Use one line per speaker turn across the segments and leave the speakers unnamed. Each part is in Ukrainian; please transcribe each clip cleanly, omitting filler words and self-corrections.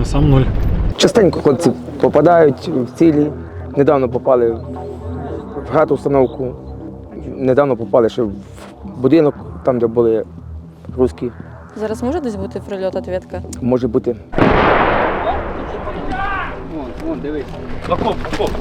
а сам нуль.
Частенько хлопці попадають в цілі. Недавно попали в гатустановку, недавно попали ще в будинок, там, де були русські.
Зараз може десь бути прильот-ответка?
Може бути.
Вон, дивись. Окоп.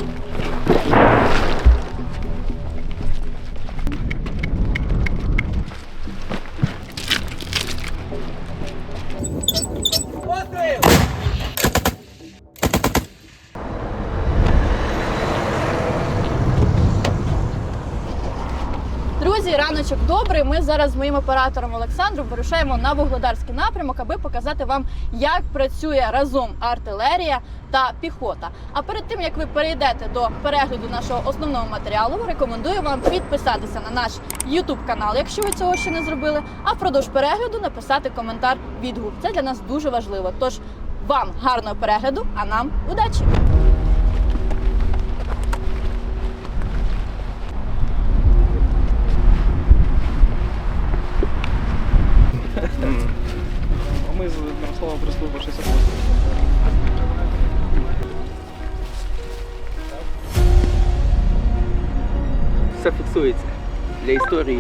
Друзі, раночок добрий. Ми зараз з моїм оператором Олександром вирушаємо на Вугледарський напрямок, аби показати вам, як працює разом артилерія та піхота. А перед тим, як ви перейдете до перегляду нашого основного матеріалу, рекомендую вам підписатися на наш YouTube канал, якщо ви цього ще не зробили, а впродовж перегляду написати коментар, відгук. Це для нас дуже важливо. Тож вам гарного перегляду, а нам удачі!
А ми з Мирославом прислужба 68.
Все фіксується для історії.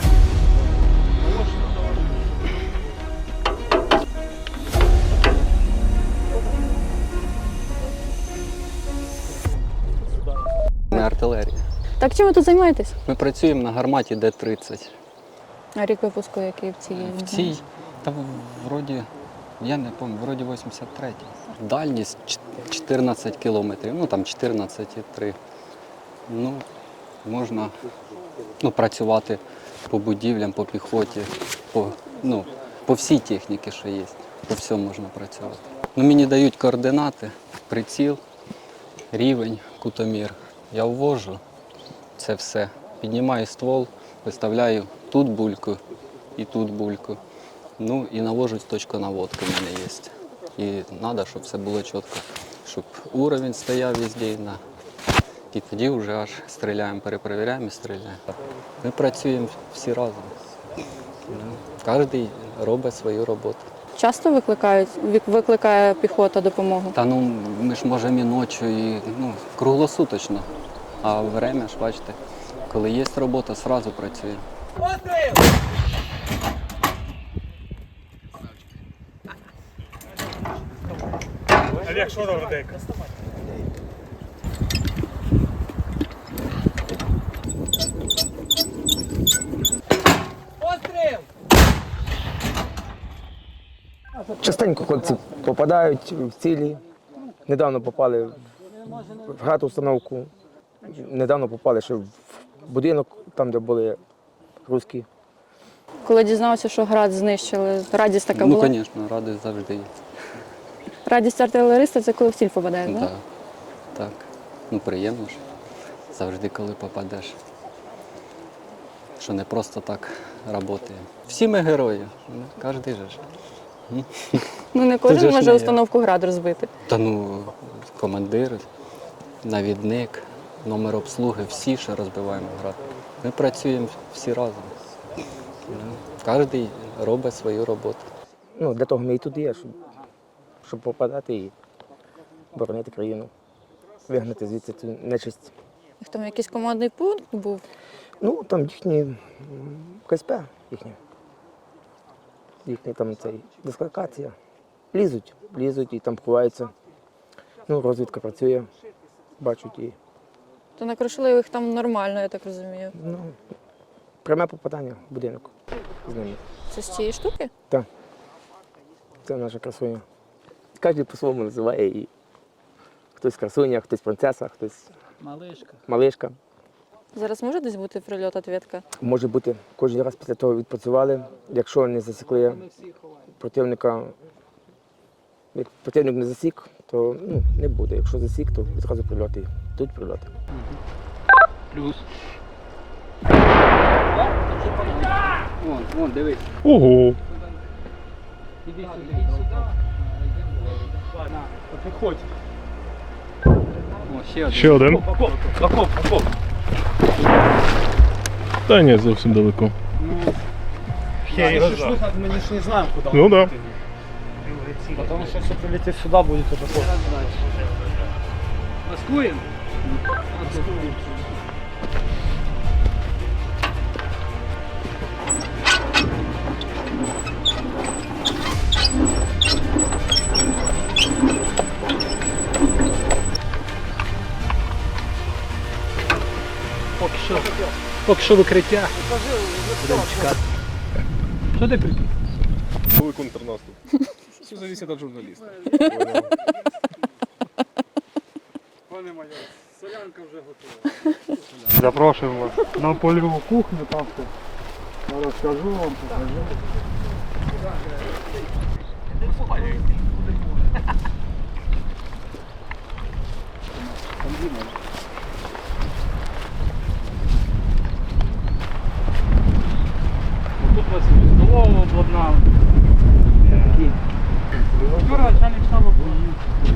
Ми артилерія.
Так чим ви тут займаєтесь?
Ми працюємо на гарматі Д-30.
А рік випуску який в цій?
В цій, та вроді, я не пам'ятаю, вроді 83-й. Дальність 14 кілометрів, ну там 14,3. Ну, можна працювати по будівлям, по піхоті, по всій техніці, що є. По всьому можна працювати. Мені дають координати, приціл, рівень, кутомір. Я ввожу це все, піднімаю ствол, виставляю тут бульку і тут бульку. Ну і навожу точку наводки в мене є. І треба, щоб все було чітко, щоб уровень стояв везде. І тоді вже аж стріляємо, перепровіряємо і стріляємо. Ми працюємо всі разом. Кожен робить свою роботу.
Часто викликає піхота допомогу?
Та ми ж можемо і ночі, і круглосуточно. А время ж, бачите, коли є робота, одразу працює.
Олег, що там редейка?
Частенько хлопці попадають в цілі. Недавно попали в гатустановку, недавно попали ще в будинок, там, де були русські.
Коли дізнався, що град знищили, радість така була?
Ну, звісно, радість завжди є.
Радість артилериста – це коли в ціль попадає, так?
Да. Так. Приємно ж. Завжди, коли попадеш. Що не просто так працює. Всі ми герої, кожен же ж.
Не
Тут же
кожен
ж
може
не є.
установку град розбити.
Та командир, навідник, номер обслуги, всі ще розбиваємо град. Ми працюємо всі разом. Кожен робить свою роботу.
Для того ми і тут є, щоб попадати і боронити країну, вигнати звідси цю нечисть.
Їх там якийсь командний пункт був?
Там їхні КСП, їхня там дисклокація. Лізуть і там ховаються. Розвідка працює, бачать і.
То накрушили їх там нормально, я так розумію.
Пряме попадання в будинок з ними.
Це з цієї штуки?
Так. Це наша красуня. Кожен по-своєму називає її. Хтось красуня, хтось принцеса, хтось малишка.
Зараз може десь бути прильот-ответка?
Може бути. Кожен раз після того відпрацювали. Якщо не засікли противника, як противник не засік, то не буде. Якщо засік, то відразу прильоти. Тут прильоти.
Плюс. Вон, дивись.
Ого!
Іди сюди. На, підходь.
Ще один.
Окоп.
Та ні, зовсім далеко.
Мені ж не знаємо, куди.
Ну так. Да.
Потому что если прилетит сюда, будет уже поздно. Маскуем? Маскуем. Поки що викриття. Будемо чекати. Що ти прикинь?
Коли контрнаступ.
Все зависит от журналиста. Пане майор, солянка вже готова.
Запрошуємо вас на польову кухню, там все розкажу вам, покажу.
Тут у вас і столову обладнали. Юра, начальник штабу поїв.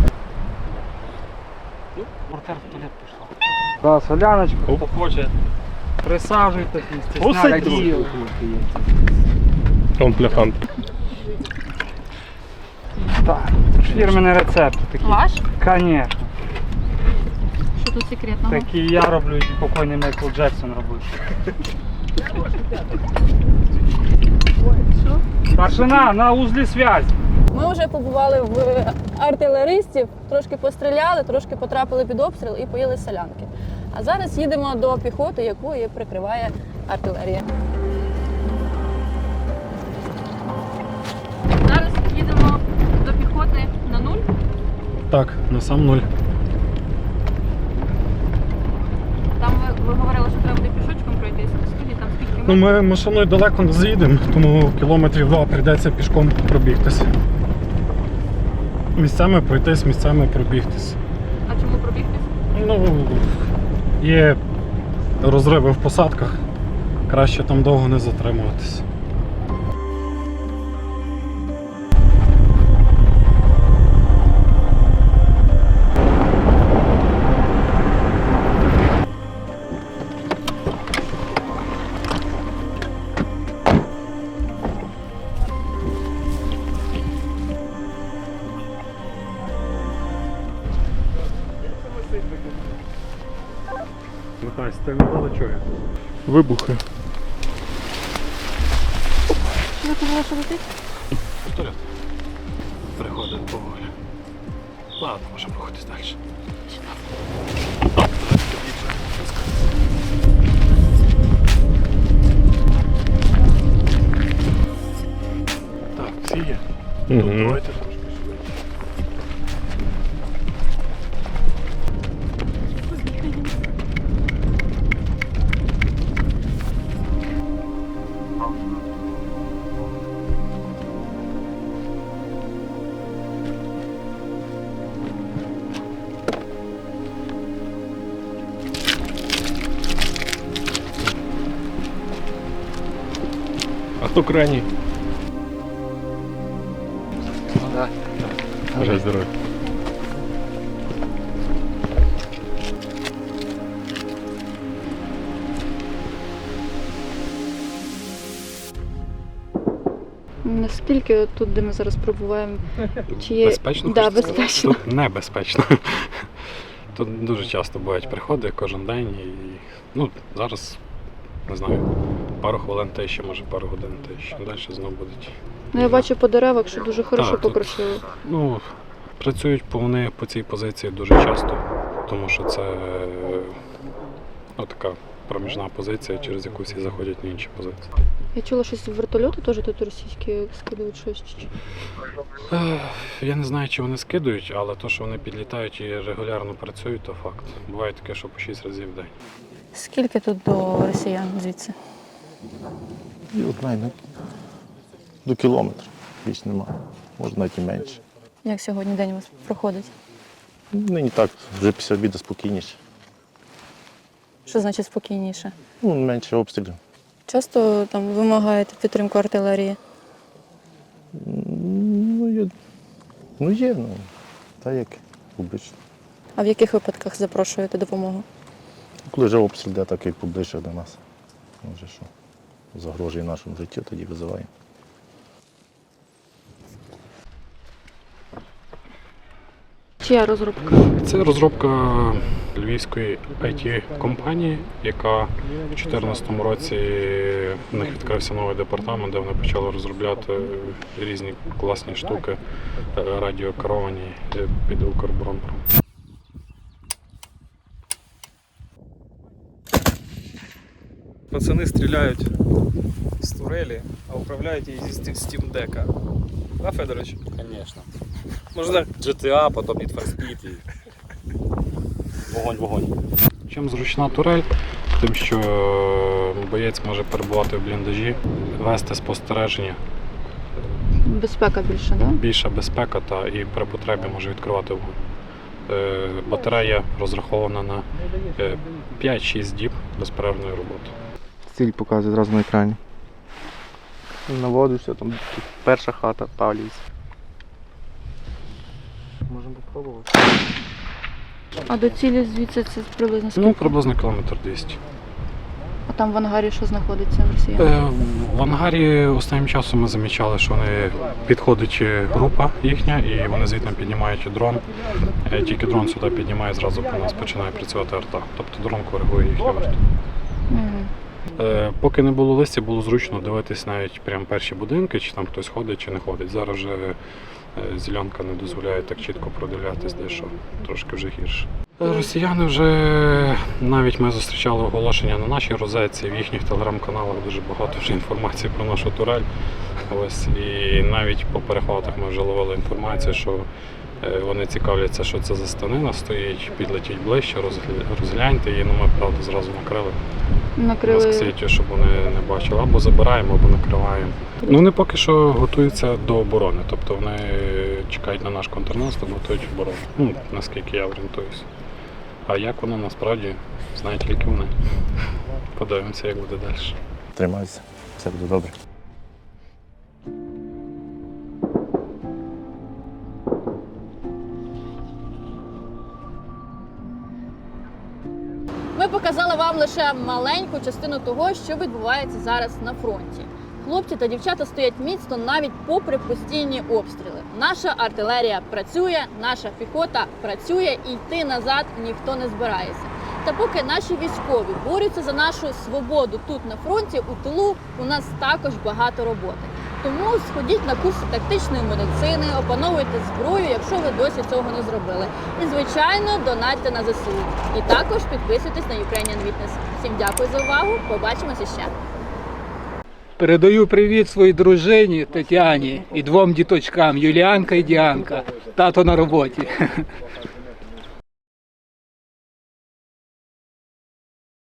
Портер в туалет пішла.
Да, соляночку,
Хто
хоче.
присаджуйтесь, не
Осадь
стесняйтесь.
Он пляхан.
Так, фірменний рецепт такий.
Ваш?
Конечно.
Що тут секретного?
Такий я роблю, і покойний Майкл Джексон робив. Старшина, на узлі зв'язь.
Ми вже побували в артилеристів, трошки постріляли, трошки потрапили під обстріл і поїли солянки. А зараз їдемо до піхоти, яку і прикриває артилерія. Зараз їдемо до піхоти на нуль.
Так, на сам нуль.
Там ви говорили, що треба буде пішочком пройтись. Скажіть, там скільки
Ну, ми машиною далеко не заїдемо, тому кілометрів 2 прийдеться пішком пробігтися. Місцями пройтись, місцями пробігтись.
А чому пробігтись?
Ну, є розриви в посадках, краще там довго не затримуватись. Михась, ти не було чого?
Вибухи.
Що ви казали, що летить?
Вперед. Приходить поволі. Ладно, можемо рухатись далі. Так, всі є?
Угу.
Давайте трошки швидше.
А хто крайній? Бажаю здоров'я.
Наскільки тут, де ми зараз пробуваємо, чи є...
Безпечно?
Да,
хочете сказати?
безпечно.
Тут небезпечно. Тут дуже часто бувають приходи кожен день і ну, зараз, не знаю, пару хвилин тиші, може пару годин тиші. Далі знову будуть.
Ну, я бачу по деревах, що дуже хорошо
тут-
покрошили.
Ну, працюють вони по цій позиції дуже часто, тому що це ну, така проміжна позиція, через яку всі заходять на інші позиції.
Я чула, щось вертольоти теж тут російські скидують щось.
Я не знаю, чи вони скидують, але то, що вони підлітають і регулярно працюють, то факт. Буває таке, що по 6 разів в день.
Скільки тут до росіян звідси?
І от найде до кілометра. Більш нема. Може навіть і менше.
Як сьогодні день у вас проходить?
Нині так, вже після обіду спокійніше.
Що значить спокійніше?
Ну, менше обстрілів.
Часто там вимагаєте підтримку артилерії?
Є, так як обично.
А в яких випадках запрошуєте допомогу?
Коли вже обстріл йде, так як поближче до нас. Може, що загрожує нашому життю, тоді визиваємо.
Чия розробка?
Це розробка львівської IT-компанії, яка в 2014 році в них відкрився новий департамент, де вони почали розробляти різні класні штуки, радіокеровані під Укроборонпром.
Пацани стріляють з турелі, а управляють її зі Steam Deck. Да, Федорович?
Конечно.
Можна
GTA, потім Need for Speed і вогонь.
Чим зручна турель? Тим, що боєць може перебувати в бліндажі, вести спостереження,
Безпека більше, так? Да?
більша безпека та і при потребі може відкривати вогонь. Батарея розрахована на 5-6 діб безперервної роботи.
Ціль показує зразу на екрані. Наводишся, там перша хата, Павлівська. Можемо попробувати.
А до цілі звідси це приблизно скільки?
Ну, приблизно кілометр 200.
А там в ангарі що знаходиться в росіян?
В ангарі останнім часом ми замічали, що вони підходить група їхня і вони звідти піднімають дрон. Тільки дрон сюди піднімає, зразу по нас починає працювати арта. Тобто дрон коригує їхню арту. Поки не було листя, було зручно дивитись навіть прямо перші будинки, чи там хтось ходить, чи не ходить. Зараз вже зеленка не дозволяє так чітко продивлятись, де що, трошки вже гірше. Росіяни вже, навіть ми зустрічали оголошення на нашій розетці, в їхніх телеграм-каналах дуже багато вже інформації про нашу турель. Ось, і навіть по перехватах ми вже ловили інформацію, що вони цікавляться, що це за станина стоїть, підлетіть ближче, розгляньте її, ну ми, правда, зразу накрили. Москситю, щоб вони не бачили. Або забираємо, або накриваємо. Ну, вони поки що готуються до оборони, тобто вони чекають на наш контрнаступ, готують оборону. Ну, наскільки я орієнтуюся. А як воно насправді, знають тільки вони. Подивимося, як буде далі.
Тримайся, все буде добре.
Ми показали вам лише маленьку частину того, що відбувається зараз на фронті. Хлопці та дівчата стоять міцно навіть попри постійні обстріли. Наша артилерія працює, наша піхота працює і йти назад ніхто не збирається. Та поки наші військові борються за нашу свободу тут на фронті, у тилу у нас також багато роботи. Тому сходіть на курси тактичної медицини, опановуйте зброю, якщо ви досі цього не зробили. І, звичайно, донатьте на ЗСУ. І також підписуйтесь на Ukrainian Witness. Всім дякую за увагу, побачимося ще.
Передаю привіт своїй дружині Тетяні і двом діточкам Юліанка і Діанка. Тато на роботі.